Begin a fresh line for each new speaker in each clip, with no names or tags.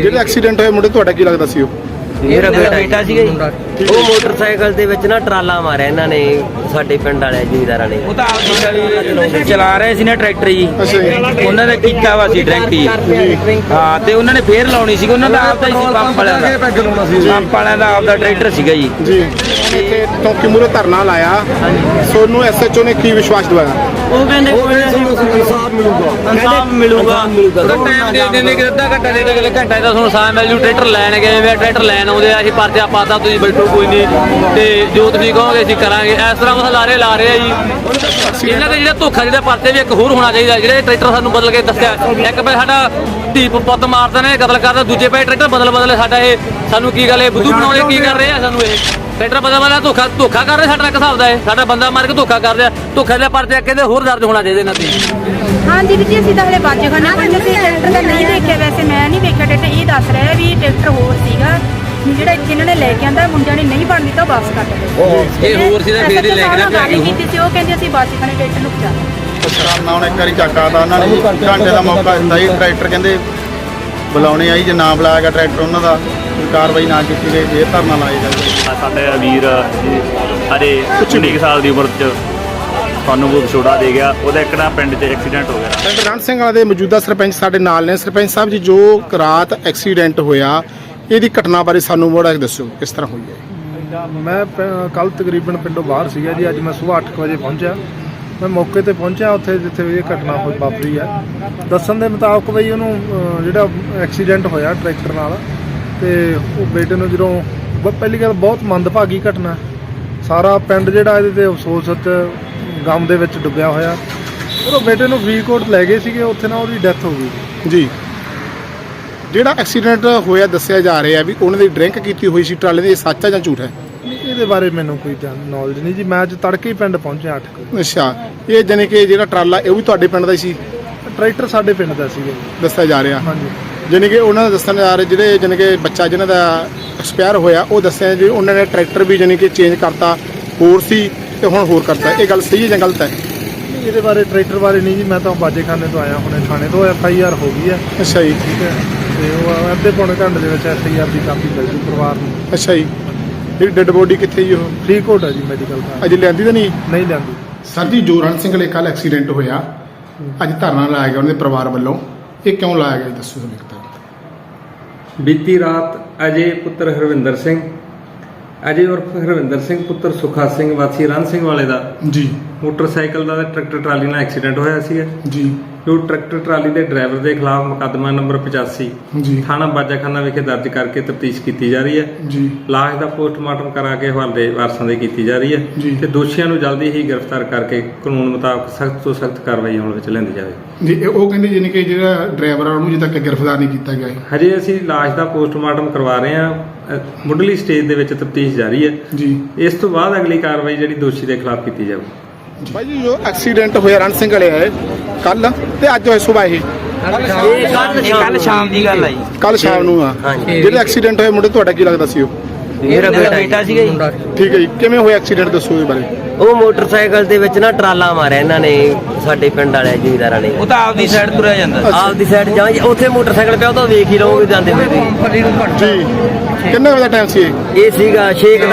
ਜਿਹੜਾ ਐਕਸੀਡੈਂਟ ਹੋਇਆ ਮੁੰਡੇ ਤੁਹਾਡਾ ਕੀ ਲੱਗਦਾ ਸੀ ਉਹ?
ਮੇਰਾ ਬੇਟਾ ਸੀਗਾ ਜੀ। ਉਹ ਮੋਟਰਸਾਈਕਲ ਦੇ ਵਿੱਚ ਨਾ ਟਰਾਲਾ ਮਾਰਿਆ ਇਹਨਾਂ ਨੇ, ਸਾਡੇ ਪਿੰਡ ਵਾਲੇ ਜ਼ਿਮੀਂਦਾਰਾਂ ਨੇ।
ਉਹ ਤਾਂ ਆਪਦੀ ਚਲਾ ਰਹੇ ਸੀ ਨਾ ਟਰੈਕਟਰ ਜੀ, ਉਹਨਾਂ ਨੇ ਕੀਤਾ ਵਾ ਸੀ ਡਰਿੰਕ ਜੀ। ਹਾਂ, ਤੇ ਉਹਨਾਂ ਨੇ ਫੇਰ ਲਾਉਣੀ ਸੀ, ਉਹਨਾਂ ਦਾ ਆਪਦਾ ਹੀ ਸੀ ਪੰਪ ਵਾਲਿਆਂ ਦਾ, ਪੰਪ ਵਾਲਿਆਂ ਦਾ ਆਪਦਾ ਟਰੈਕਟਰ ਸੀਗਾ ਜੀ।
ਇੱਥੇ ਚੌਂਕੀ ਮੂਹਰੇ ਧਰਨਾ ਲਾਇਆ, ਸੋਨੂੰ ਐਸਐਚਓ ਨੇ ਕੀ ਵਿਸ਼ਵਾਸ ਦਿਵਾਇਆ?
ਉਹ ਕਹਿੰਦੇ ਇਨਸਾਫ ਮਿਲੂਗਾ।
ਟਾਈਮ ਦੇ ਦਿੰਦੇ ਕਿ ਅੱਧਾ ਘੰਟਾ ਦੇ ਦੇ, ਘੰਟਾ ਦਾ ਤੁਹਾਨੂੰ ਸਾਹ ਮਿਲ ਜੂ। ਟਰੈਕਟਰ ਲੈਣ ਗਏ ਵੇ, ਟਰੈਕਟਰ ਲੈਣ ਆਉਂਦੇ ਆ, ਅਸੀਂ ਪਰਚਾ ਪਾਤਾ, ਤੁਸੀਂ ਬੈਠੋ ਕੋਈ ਨਹੀਂ, ਤੇ ਜੋ ਤੁਸੀਂ ਕਹੋਗੇ ਅਸੀਂ ਕਰਾਂਗੇ। ਇਸ ਤਰ੍ਹਾਂ ਕੁਛ ਲਾਰੇ ਲਾ ਰਹੇ ਆ ਜੀ। ਇਹਨਾਂ ਦਾ ਜਿਹੜਾ ਧੋਖਾ, ਜਿਹੜਾ ਪਰਚੇ ਵੀ ਇੱਕ ਹੋਰ ਹੋਣਾ ਚਾਹੀਦਾ। ਜਿਹੜੇ ਟਰੈਕਟਰ ਸਾਨੂੰ ਬਦਲ ਕੇ ਦੱਸਿਆ, ਇੱਕ ਪੈ ਸਾਡਾ ਧੀ ਪੁੱਤ ਮਾਰਦੇ ਨੇ, ਕਤਲ ਕਰਦਾ, ਦੂਜੇ ਪੈ ਟਰੈਕਟਰ ਬਦਲ ਸਾਡਾ। ਇਹ ਸਾਨੂੰ ਕੀ ਗੱਲ, ਇਹ ਬੁੱਧੂ ਬਣਾਉਣੇ ਕੀ ਕਰ ਰਹੇ ਆ ਸਾਨੂੰ? ਇਹ ਟਰੈਕਟਰ ਬਦਲ ਧੋਖਾ ਕਰ ਰਹੇ ਸਾਡਾ, ਇੱਕ ਹਿਸਾਬ ਦਾ ਇਹ ਸਾਡਾ ਬੰਦਾ ਮਾਰ ਕੇ ਧੋਖਾ ਕਰਦੇ ਆ। ਧੋਖੇ ਦੇ ਪਰਚੇ ਕਹਿੰਦੇ ਹੋਰ ਦਰਜ ਹੋਣਾ ਚਾਹੀਦਾ ਇਹਨਾਂ ਤੇ।
ਹਾਂਜੀ ਵੀਰ ਜੀ, ਅਸੀਂ ਤਾਂ ਹਲੇ ਬਾਜੇਖਾਨਾ ਪਿੰਡ ਅਸੀਂ ਟਰੈਕਟਰ ਤਾਂ ਨਹੀਂ ਦੇਖਿਆ, ਵੈਸੇ ਮੈਂ ਨਹੀਂ ਵੇਖਿਆ ਟਰੈਕਟਰ। ਇਹ ਦੱਸ ਰਿਹਾ ਵੀ ਟਰੈਕਟਰ ਹੋਰ ਸੀਗਾ, ਜਿਹੜਾ ਇੱਥੇ ਇਹਨਾਂ ਨੇ ਲੈ ਕੇ ਆਂਦਾ, ਮੁੰਡਿਆਂ ਨੇ ਨਹੀਂ ਬਣ ਦਿੱਤਾ, ਵਾਪਸ ਕਰ ਦਿੱਤਾ।
ਇਹ ਹੋਰ ਸੀ ਤਾਂ ਫੇਰ ਹੀ ਲੈ ਕੇ
ਗੱਲ ਕੀਤੀ ਸੀ, ਉਹ ਕਹਿੰਦੇ ਅਸੀਂ ਬਾਜੇਖਾਨੇ ਟਰੈਕਟਰ ਨੂੰ ਪਹੁੰਚਾ
ਮੈਂ ਹੁਣ ਇੱਕ ਵਾਰੀ ਚੱਕਾ ਤਾਂ ਉਹਨਾਂ ਨੇ ਘੰਟੇ ਦਾ ਮੌਕਾ ਦਿੱਤਾ ਜੀ। ਟਰੈਕਟਰ ਕਹਿੰਦੇ ਬੁਲਾਉਣੇ ਆਈ, ਜੇ ਨਾ ਬੁਲਾਇਆ ਗਿਆ ਟਰੈਕਟਰ ਉਹਨਾਂ ਦਾ, ਕਾਰਵਾਈ ਨਾ ਕੀਤੀ ਗਈ, ਇਹ ਧਰਨਾ ਲਾਇਆ ਜਾਵੇ।
ਸਾਡੇ ਵੀਰ ਹਜੇ 19 ਸਾਲ ਦੀ ਉਮਰ 'ਚ ਸਾਨੂੰ ਬਹੁਤ ਛੋਟਾ ਦੇ ਗਿਆ। ਉਹਦਾ ਇੱਕ ਨਾ ਪਿੰਡ 'ਚ ਐਕਸੀਡੈਂਟ ਹੋ ਗਿਆ।
ਪਿੰਡ ਰਣ ਸਿੰਘ ਵਾਲਾ ਦੇ ਮੌਜੂਦਾ ਸਰਪੰਚ ਸਾਡੇ ਨਾਲ ਨੇ। ਸਰਪੰਚ ਸਾਹਿਬ ਜੀ, ਜੋ ਰਾਤ ਐਕਸੀਡੈਂਟ ਹੋਇਆ, ਇਹਦੀ ਘਟਨਾ ਬਾਰੇ ਸਾਨੂੰ ਮੋੜਾ ਦੱਸੋ, ਕਿਸ ਤਰ੍ਹਾਂ ਹੋਈ ਹੈ?
ਮੈਂ ਕੱਲ ਤਕਰੀਬਨ ਪਿੰਡੋਂ ਬਾਹਰ ਸੀਗਾ ਜੀ। ਅੱਜ ਮੈਂ ਸਵੇਰ 8 ਵਜੇ ਪਹੁੰਚਿਆ। ਮੈਂ ਮੌਕੇ ਤੇ ਪਹੁੰਚਿਆ ਉੱਥੇ ਜਿੱਥੇ ਇਹ ਘਟਨਾ ਹੋਈ ਵਾਪਰੀ ਹੈ। ਦੱਸਣ ਦੇ ਮੁਤਾਬਕ ਬਈ ਉਹਨੂੰ ਜਿਹੜਾ ਐਕਸੀਡੈਂਟ ਹੋਇਆ ਟਰੈਕਟਰ ਨਾਲ, ਤੇ ਉਹ ਬੇਟੇ ਨੂੰ ਜਦੋਂ ਪਹਿਲੀ ਗੱਲ ਬਹੁਤ ਮੰਦਭਾਗੀ ਘਟਨਾ, ਸਾਰਾ ਪਿੰਡ ਜਿਹੜਾ ਇਹਦੇ ਤੇ ਅਫਸੋਸ ਗਮ ਦੇ ਵਿੱਚ ਡੁੱਬਿਆ ਹੋਇਆ। ਉਹ ਬੇਟੇ ਨੂੰ ਫਰੀਦਕੋਟ ਲੈ ਗਏ ਸੀਗੇ, ਉੱਥੇ ਨਾ ਉਹਦੀ ਡੈਥ ਹੋ ਗਈ
ਜੀ। ਜਿਹੜਾ ਐਕਸੀਡੈਂਟ ਹੋਇਆ ਦੱਸਿਆ ਜਾ ਰਿਹਾ ਵੀ ਉਹਨਾਂ ਦੀ ਡਰਿੰਕ ਕੀਤੀ ਹੋਈ ਸੀ ਟਰਾਲੇ ਦੀ, ਇਹ ਸੱਚ ਹੈ ਜਾਂ ਝੂਠ ਹੈ?
ਇਹਦੇ ਬਾਰੇ ਮੈਨੂੰ ਕੋਈ ਨੌਲੇਜ ਨਹੀਂ ਜੀ। ਮੈਂ ਅੱਜ ਤੜਕੇ ਹੀ ਪਿੰਡ ਪਹੁੰਚਿਆ 8 ਵਜੇ।
ਅੱਛਾ, ਇਹ ਜਾਣੀ ਕਿ ਜਿਹੜਾ ਟਰਾਲਾ ਇਹ ਵੀ ਤੁਹਾਡੇ ਪਿੰਡ ਦਾ ਹੀ ਸੀ?
ਟਰੈਕਟਰ ਸਾਡੇ ਪਿੰਡ ਦਾ ਸੀਗਾ ਜੀ,
ਦੱਸਿਆ ਜਾ ਰਿਹਾ।
ਹਾਂਜੀ।
ਜਾਣੀ ਕਿ ਉਹਨਾਂ ਦਾ ਦੱਸਣ ਜਾ ਰਹੇ ਜਿਹੜੇ ਜਾਣੀ ਕਿ ਬੱਚਾ ਜਿਹਨਾਂ ਦਾ ਐਕਸਪਾਇਰ ਹੋਇਆ, ਉਹ ਦੱਸਿਆ ਜੀ ਉਹਨਾਂ ਨੇ ਟਰੈਕਟਰ ਵੀ ਜਾਣੀ ਕਿ ਚੇਂਜ ਕਰਤਾ, ਹੋਰ ਸੀ ਤੇ ਹੁਣ ਹੋਰ ਕਰਤਾ। ਇਹ ਗੱਲ ਸਹੀ ਹੈ ਜਾਂ ਗਲਤ ਹੈ?
ਇਹਦੇ ਬਾਰੇ ਟਰੈਕਟਰ ਬਾਰੇ ਨਹੀਂ ਜੀ। ਮੈਂ ਤਾਂ ਬਾਜੇਖਾਨੇ ਤੋਂ ਆਇਆ, ਹੁਣੇ ਥਾਣੇ ਤੋਂ FIR ਹੋ ਗਈ ਹੈ।
ਅੱਛਾ ਜੀ।
ਠੀਕ ਹੈ, ਤੇ ਉਹ ਅੱਧੇ ਪੌਣੇ ਘੰਟੇ ਦੇ ਵਿੱਚ FIR ਦੀ ਕਾਪੀ ਮਿਲ ਜੂ ਪਰਿਵਾਰ ਨੂੰ।
ਅੱਛਾ ਜੀ। ਜਿਹੜੀ ਡੈੱਡ ਬੋਡੀ ਕਿੱਥੇ ਜੀ? ਉਹ
ਫਰੀਦਕੋਟ ਹੈ ਜੀ, ਮੈਡੀਕਲ ਦਾ।
ਅਜੇ ਲਿਆਂਦੀ ਤਾਂ ਨਹੀਂ
ਲਿਆਂਦੀ।
ਸਰ ਜੀ, ਜੋ ਰਣ ਸਿੰਘ ਵਾਲੇ ਕੱਲ ਐਕਸੀਡੈਂਟ ਹੋਇਆ, ਅੱਜ ਧਰਨਾ ਲਾਇਆ ਗਿਆ ਉਹਨਾਂ ਦੇ ਪਰਿਵਾਰ ਵੱਲੋਂ, ਇਹ ਕਿਉਂ ਲਾਇਆ ਗਿਆ ਦੱਸੋ ਸਾਨੂੰ ਇੱਕ ਤਾਂ।
ਬੀਤੀ ਰਾਤ ਅਜੇ ਪੁੱਤਰ ਹਰਵਿੰਦਰ ਸਿੰਘ, ਅਜੇ ਉਰਫ ਹਰਵਿੰਦਰ ਸਿੰਘ ਪੁੱਤਰ ਸੁਖਾ ਸਿੰਘ ਵਾਸੀ ਰਣ ਸਿੰਘ ਵਾਲੇ ਦਾ
ਜੀ
ਮੋਟਰਸਾਈਕਲ ਦਾ ਟਰੈਕਟਰ ਟਰਾਲੀ ਨਾਲ ਐਕਸੀਡੈਂਟ ਹੋਇਆ ਸੀ।
ਜੀ।
ਜੋ ਟਰੈਕਟਰ ਟਰਾਲੀ ਦੇ ਡਰਾਈਵਰ ਦੇ ਖਿਲਾਫ ਮੁਕੱਦਮਾ ਨੰਬਰ 85
ਜੀ
ਥਾਣਾ ਬਾਜਾਖਾਨਾ ਵਿਖੇ ਦਰਜ ਕਰਕੇ ਤਫਤੀਸ਼ ਕੀਤੀ ਜਾ ਰਹੀ ਹੈ।
ਜੀ।
ਲਾਸ਼ ਦਾ ਪੋਸਟਮਾਰਟਮ ਕਰਾ ਕੇ ਹਵਾਲੇ ਵਾਰਸਾਂ ਦੇ ਕੀਤੀ ਜਾ ਰਹੀ ਹੈ ਤੇ ਦੋਸ਼ੀਆਂ ਨੂੰ ਜਲਦੀ ਹੀ ਗ੍ਰਿਫਤਾਰ ਕਰਕੇ ਕਾਨੂੰਨ ਮੁਤਾਬਕ ਸਖਤ ਤੋਂ ਸਖਤ ਕਾਰਵਾਈ ਅਮਲ ਵਿੱਚ ਲਿਆਂਦੀ ਜਾਵੇ।
ਜੀ। ਉਹ ਕਹਿੰਦੇ ਜਾਨੀ ਕਿ ਜਿਹੜਾ ਡਰਾਈਵਰ ਆ ਉਹਨੂੰ ਅਜੇ ਤੱਕ ਗ੍ਰਿਫਤਾਰ ਨਹੀਂ ਕੀਤਾ ਗਿਆ ਹੈ।
ਹਜੇ ਅਸੀਂ ਲਾਸ਼ ਦਾ ਪੋਸਟਮਾਰਟਮ ਕਰਵਾ ਰਹੇ ਹਾਂ, ਮੁੱਢਲੀ ਸਟੇਜ ਦੇ ਵਿੱਚ ਤਫਤੀਸ਼ ਜਾਰੀ ਹੈ
ਜੀ।
ਇਸ ਤੋਂ ਬਾਅਦ ਅਗਲੀ ਕਾਰਵਾਈ ਜਿਹੜੀ ਦੋਸ਼ੀ ਦੇ ਖਿਲਾਫ ਕੀਤੀ ਜਾਵੇ।
ਭਾਈ ਜੀ, ਜੋ ਐਕਸੀਡੈਂਟ ਹੋਇਆ ਰਣ ਸਿੰਘ ਵਾਲੇ ਹੈ ਕੱਲ ਤੇ ਅੱਜ ਹੋਇਆ ਸੁਬਾਹ, ਇਹ
ਕੱਲ ਸ਼ਾਮ ਦੀ ਗੱਲ ਆ ਜੀ।
ਕੱਲ ਸ਼ਾਮ ਨੂੰ ਆ। ਜਿਹੜਾ ਐਕਸੀਡੈਂਟ ਹੋਇਆ ਮੁੰਡੇ ਤੁਹਾਡਾ ਕੀ ਲੱਗਦਾ ਸੀ ਉਹ?
ਮੇਰਾ ਬੇਟਾ ਸੀਗਾ ਜੀ।
ਠੀਕ ਹੈ ਜੀ। ਕਿਵੇਂ ਹੋਇਆ ਐਕਸੀਡੈਂਟ, ਦੱਸੋ ਇਹਦੇ ਬਾਰੇ।
ਉਹ ਮੋਟਰਸਾਈਕਲ ਦੇ ਵਿੱਚ ਨਾ ਟਰਾਲਾ ਮਾਰਿਆ ਇਹਨਾਂ ਨੇ, ਸਾਡੇ ਪਿੰਡ ਵਾਲੇ ਜ਼ਿਮੀਂਦਾਰਾਂ ਨੇ।
ਉਹ ਤਾਂ ਆਪਦੀ ਸਾਈਡ ਤੁਰਿਆ ਜਾਂਦਾ,
ਆਪਦੀ ਸਾਈਡ ਜਾਂ ਉੱਥੇ ਮੋਟਰਸਾਈਕਲ ਪਿਆ, ਉਹ ਤਾਂ ਵੇਖ ਹੀ ਲਓਗੇ ਜਾਂਦੇ ਹੋਏ
ਜੀ। ਕਿੰਨੇ ਵਜੇ ਦਾ ਟਾਈਮ ਸੀ ਇਹ?
ਇਹ ਸੀਗਾ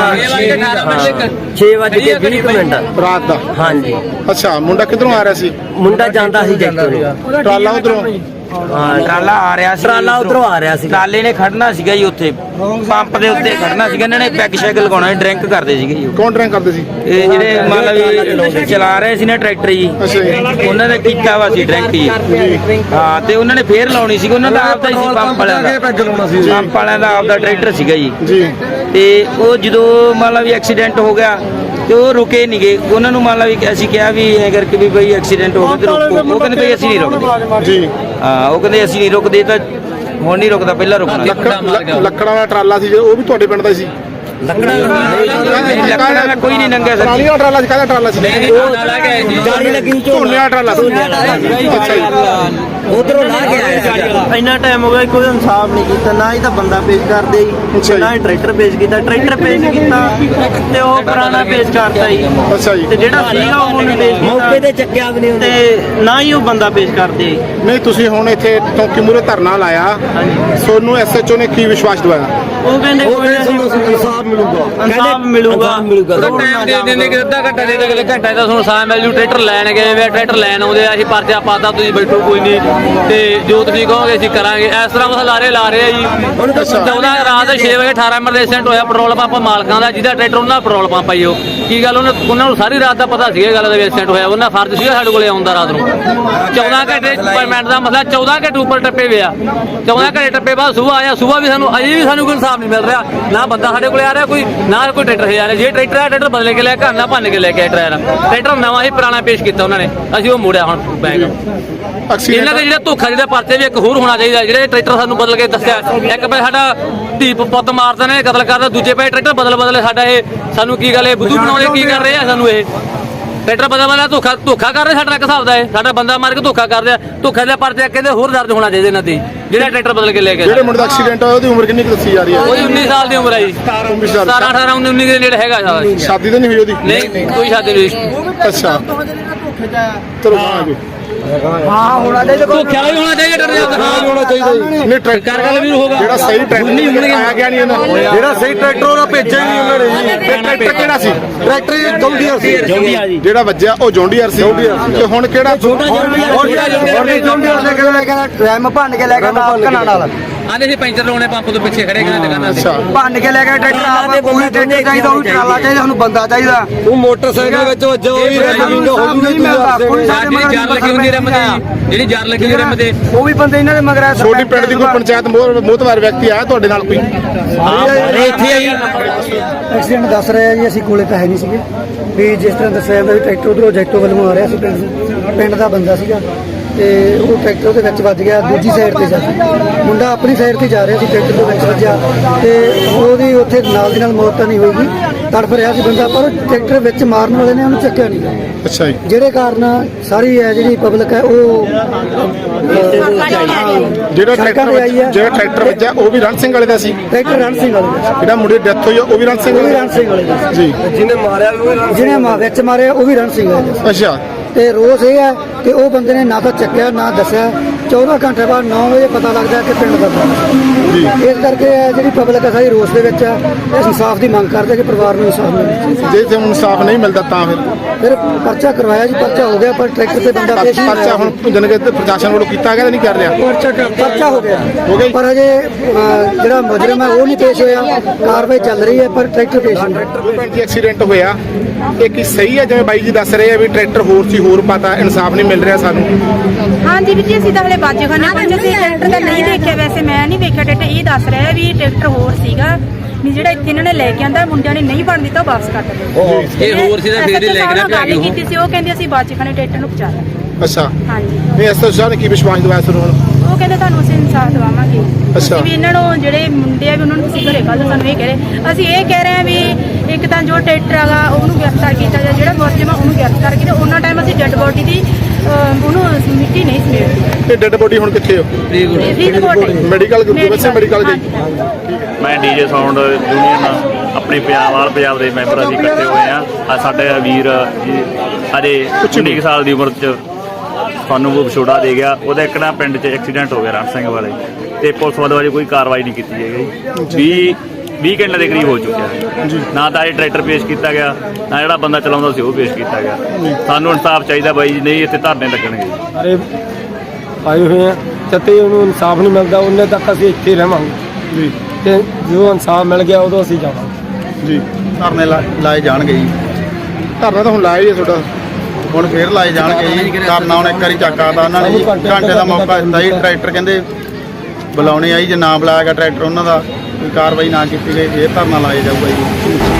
6:20
ਰਾਤ ਦਾ?
ਹਾਂਜੀ।
ਅੱਛਾ, ਮੁੰਡਾ ਕਿੱਧਰੋਂ ਆ ਰਿਹਾ ਸੀ?
ਮੁੰਡਾ ਜਾਂਦਾ ਸੀ ਜੈਤੋ ਨੂੰ।
ਟਰਾਲਾ ਉਧਰੋਂ?
ਹਾਂ,
ਟਰਾਲਾ ਆ ਰਿਹਾ ਸੀ,
ਟਰਾਲਾ ਉਧਰੋਂ ਆ ਰਿਹਾ ਸੀ।
ਟਰਾਲੇ ਨੇ ਖੜਨਾ ਸੀਗਾ ਜੀ, ਉੱਥੇ ਪੰਪ ਦੇ ਉੱਤੇ ਖੜਨਾ ਸੀਗਾ। ਇਹਨਾਂ ਨੇ ਪੈਗ ਸ਼ੈਗ ਲਗਾਉਣਾ, ਡਰਿੰਕ ਕਰਦੇ ਸੀਗੇ ਜੀ।
ਕੌਣ ਡਰਿੰਕ ਕਰਦੇ ਸੀ?
ਇਹ ਜਿਹੜੇ ਮਤਲਬ ਵੀ ਚਲਾ ਰਹੇ ਸੀ ਨਾ ਟਰੈਕਟਰ ਜੀ, ਉਹਨਾਂ ਨੇ ਕੀਤਾ ਵਾ ਸੀ ਡਰਿੰਕ ਜੀ। ਹਾਂ, ਤੇ ਉਹਨਾਂ ਨੇ ਫੇਰ ਲਾਉਣੀ ਸੀ, ਉਹਨਾਂ ਦਾ ਆਪਦਾ ਹੀ ਸੀ ਪੰਪ ਵਾਲਿਆਂ ਦਾ, ਪੰਪ ਵਾਲਿਆਂ ਦਾ ਆਪਦਾ ਟਰੈਕਟਰ ਸੀਗਾ ਜੀ। ਤੇ ਉਹ ਜਦੋਂ ਮਤਲਬ ਵੀ ਐਕਸੀਡੈਂਟ ਹੋ ਗਿਆ ਤੇ ਉਹ ਰੁਕੇ ਨਹੀਂ ਗਏ। ਉਹਨਾਂ ਨੂੰ ਮਤਲਬ ਵੀ ਅਸੀਂ ਕਿਹਾ ਵੀ ਐ ਕਰਕੇ ਵੀ ਬਈ ਐਕਸੀਡੈਂਟ ਹੋ ਗਿਆ ਤੇ ਰੁਕੋ। ਉਹ ਕਹਿੰਦੇ ਬਈ ਅਸੀਂ ਨਹੀਂ ਰੁਕਦੇ ਜੀ। ਹਾਂ, ਉਹ ਕਹਿੰਦੇ ਅਸੀਂ ਨਹੀਂ ਰੁਕਦੇ, ਤਾਂ ਹੁਣ ਨਹੀਂ ਰੁਕਦਾ, ਪਹਿਲਾਂ ਰੁਕਣਾ।
ਲੱਕੜਾਂ ਵਾਲਾ ਟਰਾਲਾ ਸੀ ਉਹ ਵੀ ਤੁਹਾਡੇ ਪਿੰਡ ਦਾ ਸੀ?
ਲੱਕੜਾਂ ਕੋਈ ਨਹੀਂ ਨੰਗਾ ਸਰ
ਟਰਾਲੀ ਵਾਲਾ ਟਰਾਲਾ ਸੀ, ਕਾਹਦਾ ਟਰਾਲਾ ਸੀ?
ਜਾਲੀ ਲੱਗੀ
ਝੋਨੇ ਵਾਲਾ ਟਰਾਲਾ ਸੀ। ਅੱਛਾ ਜੀ।
ਉਧਰੋਂ ਲਾ ਕੇ ਆਇਆ ਇੰਨਾ ਟਾਈਮ ਹੋ ਗਿਆ ਕੋਈ ਇਨਸਾਫ ਨਹੀਂ ਕੀਤਾ, ਨਾ ਹੀ ਤਾਂ ਬੰਦਾ ਪੇਸ਼ ਕਰਦੇ
ਅੱਛਾ ਜੀ।
ਨਾ ਹੀ ਟਰੈਕਟਰ ਪੇਸ਼ ਕੀਤਾ, ਟਰੈਕਟਰ ਪੇਸ਼ ਕੀਤਾ ਤੇ ਉਹ ਪੁਰਾਣਾ ਪੇਸ਼ ਕਰਤਾ ਜੀ।
ਅੱਛਾ ਜੀ।
ਤੇ ਜਿਹੜਾ ਸੀਗਾ ਉਹ ਨਹੀਂ ਪੇਸ਼ ਕੀਤਾ, ਮੌਕੇ ਤੇ ਚੱਕਿਆ ਵੀ ਨਹੀਂ ਤੇ ਨਾ ਹੀ ਉਹ ਬੰਦਾ ਪੇਸ਼ ਕਰਦੇ।
ਨਹੀਂ ਤੁਸੀਂ ਹੁਣ ਇੱਥੇ ਚੌਂਕੀ ਮੂਹਰੇ ਧਰਨਾ ਲਾਇਆ, ਸੋਨੂੰ ਐਸਐਚਓ ਨੇ ਕੀ ਵਿਸ਼ਵਾਸ ਦਿਵਾਇਆ?
ਉਹ ਕਹਿੰਦੇ ਕੋਈ ਇਨਸਾਫ ਮਿਲੂਗਾ, ਇਨਸਾਫ ਮਿਲੂਗਾ।
ਟਾਈਮ ਦੇ ਦਿੰਦੇ ਕਿ ਅੱਧਾ ਘੰਟਾ ਦੇ ਦੇ ਘੰਟਾ ਦਾ ਤੁਹਾਨੂੰ ਸਾਹ ਮਿਲ ਜੂ। ਟਰੈਕਟਰ ਲੈਣ ਗਏ ਵੇ, ਟਰੈਕਟਰ ਲੈਣ ਆਉਂਦੇ ਆ, ਅਸੀਂ ਪਰਚਾ ਪਾਤਾ, ਤੁਸੀਂ ਬੈਠੋ ਕੋਈ ਨਹੀਂ ਤੇ ਜੋ ਤੁਸੀਂ ਕਹੋਗੇ ਅਸੀਂ ਕਰਾਂਗੇ। ਇਸ ਤਰ੍ਹਾਂ ਬਸ ਲਾਰੇ ਲਾ ਰਹੇ ਆ ਜੀ। 14 ਰਾਤ 6 ਵਜੇ 18 ਨੰਬਰ ਦੇ ਐਕਸੀਡੈਂਟ ਹੋਇਆ ਪੈਟਰੋਲ ਪੰਪ ਮਾਲਕਾਂ ਦਾ, ਜਿਹਦਾ ਟਰੈਕਟਰ ਉਹਨਾਂ ਦਾ ਪੈਟਰੋਲ ਪੰਪ ਆਈ। ਉਹ ਕੀ ਗੱਲ ਉਹਨਾਂ ਨੂੰ ਸਾਰੀ ਰਾਤ ਦਾ ਪਤਾ ਸੀਗਾ ਗੱਲ ਦਾ ਵੀ ਐਕਸੀਡੈਂਟ ਹੋਇਆ। ਉਹਨਾਂ ਫਰਜ਼ ਸੀਗਾ ਸਾਡੇ ਕੋਲੇ ਆਉਂਦਾ ਰਾਤ ਨੂੰ। 14 ਘੰਟੇ ਪੇਮੈਂਟ ਦਾ ਮਸਲਾ, 14 ਘੰਟੇ ਉੱਪਰ ਟੱਪੇ ਪਿਆ। 14 ਘੰਟੇ ਟੱਪੇ ਬਾਅਦ ਸੁਬਾਹ ਆਇਆ, ਸੁਬਾਹ ਵੀ ਸਾਨੂੰ ਅਜੇ ਵੀ ਸਾਨੂੰ ਕੋਈ ਇਨਸਾਫ ਨਹੀਂ ਮਿਲ ਰਿਹਾ। ਨਾ ਬੰਦਾ ਸਾਡੇ ਕੋਲੇ ਆ ਰਿਹਾ ਕੋਈ, ਨਾ ਕੋਈ ਟਰੈਕਟਰ ਹੈ ਜਾ ਰਿਹਾ। ਜੇ ਟਰੈਕਟਰ ਆ ਟਰੈਕਟਰ ਬਦਲੇ ਕੇ ਲੈ ਕੇ ਨਾ ਭੰਨ ਕੇ ਲੈ ਕੇ ਆਏ ਟਰੈਕਟਰ ਨਵਾਂ ਹੀ ਪੁਰਾਣਾ ਪੇਸ਼ ਕੀਤਾ ਉਹਨਾਂ ਨੇ, ਅਸੀਂ ਉਹ ਮੋੜਿਆ ਹੁਣ ਬੈਗ। ਇਹਨਾਂ ਦੇ ਜਿਹੜਾ ਧੋਖਾ ਜਿਹੜਾ ਪਰਚੇ ਵੀ ਇੱਕ ਹੋਰ ਹੋਣਾ ਚਾਹੀਦਾ। ਜਿਹੜੇ ਟਰੈਕਟਰ ਸਾਨੂੰ ਬਦਲ ਕੇ ਦੱਸਿਆ, ਇੱਕ ਪੈ ਸਾਡਾ ਧੀ ਪੁੱਤ ਮਾਰਦੇ ਨੇ, ਕਤਲ ਕਰਦਾ, ਦੂਜੇ ਪੈ ਟਰੈਕਟਰ ਬਦਲੇ ਸਾਡਾ ਇਹ ਸਾਨੂੰ ਕੀ ਗੱਲ ਇਹ ਬੁੱਧੂ ਬਣਾਉਂਦੇ ਕੀ ਕਰ ਰਹੇ ਆ ਸਾਨੂੰ? ਇਹ ਟਰੈਕਟਰ ਬਦਲ ਧੋਖਾ ਕਰ ਰਹੇ ਸਾਡਾ ਇੱਕ ਹਿਸਾਬ ਦਾ। ਇਹ ਸਾਡਾ ਬੰਦਾ ਮਾਰ ਕੇ ਧੋਖਾ ਕਰਦੇ ਆ। ਧੋਖੇ ਦੇ ਪਰਚੇ ਕਹਿੰਦੇ ਹੋਰ ਦਰਜ ਹੋਣਾ ਚਾਹੀਦਾ ਇਹਨਾਂ ਤੇ, ਜਿਹੜਾ ਟਰੈਕਟਰ ਬਦਲ ਕੇ ਲੈ ਕੇ।
ਜਿਹੜੇ ਮੁੰਡੇ ਦਾ ਐਕਸੀਡੈਂਟ ਹੋਇਆ ਉਹਦੀ ਉਮਰ ਕਿੰਨੀ ਕੁ ਦੱਸੀ ਜਾ ਰਹੀ ਹੈ?
ਉਹਦੀ 19 ਸਾਲ ਦੀ ਉਮਰ ਹੈ ਜੀ। 17 18 19 ਦੇ ਨੇੜੇ ਹੈਗਾ ਸਾਰਾ।
ਸ਼ਾਦੀ ਤਾਂ ਨਹੀਂ ਹੋਈ ਉਹਦੀ?
ਨਹੀਂ ਕੋਈ ਸ਼ਾਦੀ ਨਹੀਂ।
ਅੱਛਾ ਚਲੋ ਆਗੇ।
ਧੋਖਾ ਵੀ ਹੋਣਾ ਚਾਹੀਦਾ
ਨਹੀਂ ਟਰੈਕਟਰ
ਵੀ ਹੋਗਾ
ਜਿਹੜਾ ਸਹੀ ਟਰੈਕਟਰ ਆਇਆ ਗਿਆ ਨਹੀਂ ਉਹਨਾਂ
ਜਿਹੜਾ ਸਹੀ ਟਰੈਕਟਰ ਉਹਦਾ ਭੇਜਿਆ ਹੀ ਨਹੀਂ ਉਹਨਾਂ ਨੇ ਜੀ।
ਟਰੈਕਟਰ ਕਿਹੜਾ ਸੀ?
ਟਰੈਕਟਰ ਜੌਂਡੀਅਰ ਸੀ,
ਜਿਹੜਾ ਵੱਜਿਆ ਉਹ ਜੌਂਡੀਅਰ ਸੀ। ਤੇ ਹੁਣ ਕਿਹੜਾ?
ਜੌਂਡੀਅਰ ਲੈ ਕੇ ਲੈ ਕੇ ਰੈਮ ਭੰਨ ਕੇ ਲੈ ਕੇ ਕਨਾਲ ਨਾਲ
ਆਂਦੇ ਸੀ ਪੈਂਚਰ ਲਾਉਣੇ ਪੰਪ ਤੋਂ ਪਿੱਛੇ ਖੜੇ ਕਿਹਨਾਂ ਦੁਕਾਨਾਂ ਤੇ।
ਅੱਛਾ
ਭੰਨ ਕੇ ਲੈ ਕੇ ਟਰੈਕਟਰ ਆਪ ਕੋਈ ਟਰੈਕਟਰ ਚਾਹੀਦਾ, ਉਹ ਟਰਾਲਾ ਚਾਹੀਦਾ, ਸਾਨੂੰ ਬੰਦਾ ਚਾਹੀਦਾ। ਉਹ ਮੋਟਰਸਾਈਕਲ ਵਿੱਚ ਵੱਜਾ ਉਹ ਵੀ ਨਹੀਂ ਮਿਲਦਾ।
ਜਿਹੜੀ ਜਰ ਲੱਗੀ ਹੁੰਦੀ ਰਿਮ ਤੇ, ਜਿਹੜੀ ਜਰ ਲੱਗੀ ਹੁੰਦੀ ਰਿਮ ਤੇ,
ਉਹ ਵੀ ਬੰਦੇ ਇਹਨਾਂ ਦੇ ਮਗਰ ਆ।
ਛੋਟੀ ਪਿੰਡ ਦੀ ਕੋਈ ਪੰਚਾਇਤ ਮੋਹਤਵਾਰ ਵਿਅਕਤੀ ਆਇਆ ਤੁਹਾਡੇ ਨਾਲ ਕੋਈ?
ਇੱਥੇ ਆਈ
ਐਕਸੀਡੈਂਟ ਦੱਸ ਰਿਹਾ ਜੀ, ਅਸੀਂ ਕੋਲੇ ਤਾਂ ਹੈ ਨਹੀਂ ਸੀਗੇ ਵੀ ਜਿਸ ਤਰ੍ਹਾਂ ਦੱਸਿਆ ਜਾਂਦਾ ਵੀ ਟਰੈਕਟਰ ਉਧਰੋਂ ਜੈਕਟੋ ਵੱਲੋਂ ਆ ਰਿਹਾ ਸੀ, ਪਿੰਡ ਦਾ ਬੰਦਾ ਸੀਗਾ ਤੇ ਉਹ ਟਰੈਕਟਰ ਉਹਦੇ ਵਿੱਚ ਵੱਜ ਗਿਆ। ਦੂਜੀ ਸਾਈਡ ਤੇ ਜਾ ਮੁੰਡਾ ਆਪਣੀ ਸਾਈਡ ਤੇ ਜਾ ਰਿਹਾ ਸੀ, ਟਰੈਕਟਰ ਦੇ ਵਿੱਚ ਵੱਜਿਆ ਤੇ ਉਹਦੀ ਉੱਥੇ ਨਾਲ ਦੀ ਨਾਲ ਮੌਤ ਤਾਂ ਨਹੀਂ ਹੋਈ, ਤੜਫ ਰਿਹਾ ਸੀ ਬੰਦਾ, ਪਰ ਟਰੈਕਟਰ ਵਿੱਚ ਮਾਰਨ ਵਾਲੇ ਨੇ ਉਹਨੂੰ ਚੱਕਿਆ ਨਹੀਂ।
ਅੱਛਾ ਜੀ।
ਜਿਹੜੇ ਕਾਰਨ ਸਾਰੀ ਹੈ ਜਿਹੜੀ ਪਬਲਿਕ ਹੈ ਉਹ
ਜਿਹੜਾ ਟਰੈਕਟਰ ਵੱਜਿਆ ਉਹ ਵੀ ਰਣ ਸਿੰਘ ਵਾਲੇ ਦਾ ਸੀ?
ਟਰੈਕਟਰ ਰਣ ਸਿੰਘ ਵਾਲੇ ਦਾ।
ਜਿਹੜਾ ਮੁੰਡੇ ਦੀ ਡੈਥ ਹੋਈ ਆ ਉਹ ਵੀ ਰਣ ਸਿੰਘ
ਉਹ ਵੀ
ਵਾਲੇ
ਰਣ ਸਿੰਘ ਵਾਲੇ ਦਾ
ਜੀ?
ਜਿਹਨੇ ਵਿੱਚ ਮਾਰਿਆ ਉਹ ਵੀ ਰਣ ਸਿੰਘ ਵਾਲੇ ਦਾ।
ਅੱਛਾ।
ਤੇ ਰੋਸ ਇਹ ਹੈ ਕਿ ਉਹ ਬੰਦੇ ਨੇ ਨਾ ਤਾਂ ਚੱਕਿਆ ਨਾ ਦੱਸਿਆ। 14 ਘੰਟੇ ਬਾਅਦ 9 ਵਜੇ ਪਤਾ ਲੱਗਦਾ ਕਿ ਪਿੰਡ ਦਾ
ਜੀ।
ਇਸ ਕਰਕੇ ਜਿਹੜੀ ਪਬਲਿਕ ਹੈ ਸਾਰੀ ਰੋਸ ਦੇ ਵਿੱਚ ਹੈ। ਇਸ ਇਨਸਾਫ ਦੀ ਮੰਗ ਕਰਦੇ ਕਿ ਪਰਿਵਾਰ ਨੂੰ ਇਨਸਾਫ ਮਿਲੇ।
ਜੇ ਤੇ ਇਨਸਾਫ ਨਹੀਂ ਮਿਲਦਾ ਤਾਂ
ਫਿਰ ਪਰਚਾ ਕਰਵਾਇਆ ਜੀ, ਪਰਚਾ ਹੋ ਗਿਆ, ਪਰ ਟਰੈਕਟਰ ਤੇ ਬੰਦਾ ਪੇਸ਼ ਨਹੀਂ
ਪਰਚਾ ਹੁਣ ਜਨਗੇ ਪ੍ਰਸ਼ਾਸਨ ਵੱਲੋਂ ਕੀਤਾ ਗਿਆ ਨਹੀਂ ਕਰ ਰਿਹਾ?
ਪਰਚਾ ਹੋ ਗਿਆ
ਗਿਆ ਜੀ।
ਪਰ ਅਜੇ ਜਿਹੜਾ ਮੁਜਰਮ ਹੈ ਉਹ ਨਹੀਂ ਪੇਸ਼ ਹੋਇਆ। ਕਾਰਵਾਈ ਚੱਲ ਰਹੀ ਹੈ ਪਰ ਟਰੈਕਟਰ ਪੇਸ਼ ਨਹੀਂ।
ਪਿੰਡ ਦੀ ਐਕਸੀਡੈਂਟ ਹੋਇਆ, ਇਹ ਕੀ ਸਹੀ ਹੈ ਜਿਵੇਂ ਬਾਈ ਜੀ ਦੱਸ ਰਹੇ ਆ ਵੀ ਟਰੈਕਟਰ ਹੋਰ ਸੀ, ਹੋਰ ਪਤਾ ਇਨਸਾਫ ਨਹੀਂ ਮਿਲ ਰਿਹਾ ਸਾਨੂੰ?
ਹਾਂਜੀ ਵੀਰ ਜੀ, ਅਸੀਂ ਤਾਂ ਹਲੇ ਬਾਜੇਖਾਨੇ ਪਹੁੰਚੇ ਸੀ। ਟਰੈਕਟਰ ਤਾਂ ਨਹੀਂ ਦੇਖਿਆ, ਵੈਸੇ ਮੈਂ ਨਹੀਂ ਵੇਖਿਆ ਟਰੈਕਟਰ। ਇਹ ਦੱਸ ਰਿਹਾ ਵੀ ਟਰੈਕਟਰ ਹੋਰ ਸੀਗਾ ਵੀ ਜਿਹੜਾ ਇੱਥੇ ਇਹਨਾਂ ਨੇ ਲੈ ਕੇ ਆਂਦਾ, ਮੁੰਡਿਆਂ ਨੇ ਨਹੀਂ ਬਣ ਦਿੱਤਾ, ਉਹ ਵਾਪਸ ਕਰ ਦਿੱਤਾ।
ਇਹ ਹੋਰ ਸੀ ਤਾਂ ਫੇਰ ਹੀ ਲੈ ਕੇ ਨਾ
ਗੱਲ ਕੀਤੀ ਸੀ, ਉਹ ਕਹਿੰਦੇ ਅਸੀਂ ਬਾਜੇਖਾਨੇ ਟਰੈਕਟਰ ਨੂੰ ਪਹੁੰਚਾ ਲਿਆ।
ਅੱਛਾ।
ਹਾਂਜੀ
ਨਹੀਂ ਐਸਐਚਓ ਸਾਹਿਬ ਨੇ ਕੀ ਵਿਸ਼ਵਾਸ ਦਿਵਾਇਆ ਤੁਹਾਨੂੰ?
ਉਹ ਕਹਿੰਦੇ ਤੁਹਾਨੂੰ ਅਸੀਂ ਇਨਸਾਫ ਦਵਾਵਾਂਗੇ।
ਅੱਛਾ।
ਅਸੀਂ ਵੀ ਇਹਨਾਂ ਨੂੰ ਜਿਹੜੇ ਮੁੰਡੇ ਆ ਵੀ ਉਹਨਾਂ ਨੂੰ ਤੁਸੀਂ ਘਰੇ ਕੱਢ, ਸਾਨੂੰ ਇਹ ਕਹਿ ਰਹੇ। ਅਸੀਂ ਇਹ ਕਹਿ ਰਹੇ ਹਾਂ ਵੀ ਇੱਕ ਤਾਂ ਜੋ ਟਰੈਕਟਰ ਹੈਗਾ ਉਹਨੂੰ ਗ੍ਰਿਫਤਾਰ ਕੀਤਾ ਜਾਏ, ਜਿਹੜਾ ਮੁਲਜ਼ਮ ਆ ਉਹਨੂੰ ਗ੍ਰਿਫਤਾਰ ਕੀਤਾ। ਉਹਨਾਂ ਟਾਈਮ ਅਸੀਂ ਡੈੱਡ ਬੋਡੀ ਦੀ ਉਹਨੂੰ ਮਿੱਟੀ ਨਹੀਂ ਸਮੇਟਦੀ।
ਤੇ ਡੈੱਡ ਬੋਡੀ ਹੁਣ ਕਿੱਥੇ ਹੋ? ਮੈਡੀਕਲ ਵੈਸੇ ਮੈਡੀਕਲ ਗਈ।
ਮੈਂ ਡੀਜੇ ਸਾਊਂਡ ਯੂਨੀਅਨ ਆਪਣੇ ਪੰਜਾਬ ਦੇ ਮੈਂਬਰ ਅਸੀਂ ਇਕੱਠੇ ਹੋਏ ਆ। ਸਾਡੇ ਵੀਰ ਜੀ ਅਜੇ 19 ਸਾਲ ਦੀ ਉਮਰ 'ਚ ਸਾਨੂੰ ਉਹ ਵਿਛੋੜਾ ਦੇ ਗਿਆ। ਉਹਦਾ ਇੱਕ ਨਾ ਪਿੰਡ 'ਚ ਐਕਸੀਡੈਂਟ ਹੋ ਗਿਆ ਰਣ ਸਿੰਘ ਵਾਲੇ, ਤੇ ਪੁਲਿਸ ਵੱਲੋਂ ਅਜੇ ਕੋਈ ਕਾਰਵਾਈ ਨਹੀਂ ਕੀਤੀ ਹੈਗੀ। 20 ਘੰਟੇ ਦੇ ਕਰੀਬ ਹੋ ਚੁੱਕਿਆ ਹੈ। ਨਾ ਤਾਂ ਇਹ ਟਰੈਕਟਰ ਪੇਸ਼ ਕੀਤਾ ਗਿਆ, ਨਾ ਜਿਹੜਾ ਬੰਦਾ ਚਲਾਉਂਦਾ ਸੀ ਉਹ ਪੇਸ਼ ਕੀਤਾ ਗਿਆ। ਸਾਨੂੰ ਇਨਸਾਫ ਚਾਹੀਦਾ ਬਾਈ ਜੀ, ਨਹੀਂ ਇੱਥੇ ਧਰਨੇ ਲੱਗਣਗੇ।
ਅਰੇ ਆਏ ਹੋਏ ਆ ਤੇ ਉਹਨੂੰ ਇਨਸਾਫ ਨਹੀਂ ਮਿਲਦਾ ਉਹਨੇ ਤੱਕ ਅਸੀਂ ਇੱਥੇ ਰਹਾਂਗੇ
ਜੀ।
ਤੇ ਜਦੋਂ ਇਨਸਾਫ ਮਿਲ ਗਿਆ ਉਦੋਂ ਅਸੀਂ ਜਾਵਾਂਗੇ
ਜੀ।
ਧਰਨੇ ਲਾਏ ਜਾਣਗੇ ਜੀ।
ਧਰਨਾ ਤਾਂ ਹੁਣ ਲਾਇਆ ਹੀ ਹੈ ਤੁਹਾਡਾ,
ਹੁਣ ਫੇਰ ਲਾਏ ਜਾਣਗੇ ਜੀ। ਧਰਨਾ ਹੁਣ ਇੱਕ ਵਾਰੀ ਚੱਕਾਤਾ ਉਹਨਾਂ ਨੇ ਜੀ, ਘੰਟੇ ਦਾ ਮੌਕਾ ਦਿੱਤਾ ਜੀ। ਟਰੈਕਟਰ ਕਹਿੰਦੇ ਬੁਲਾਉਣੇ ਆਈ, ਜੇ ਨਾ ਬੁਲਾਇਆ ਗਿਆ ਟਰੈਕਟਰ ਉਹਨਾਂ ਦਾ, ਕੋਈ ਕਾਰਵਾਈ ਨਾ ਕੀਤੀ ਗਈ, ਫੇਰ ਧਰਨਾ ਲਾਇਆ ਜਾਊਗਾ ਜੀ।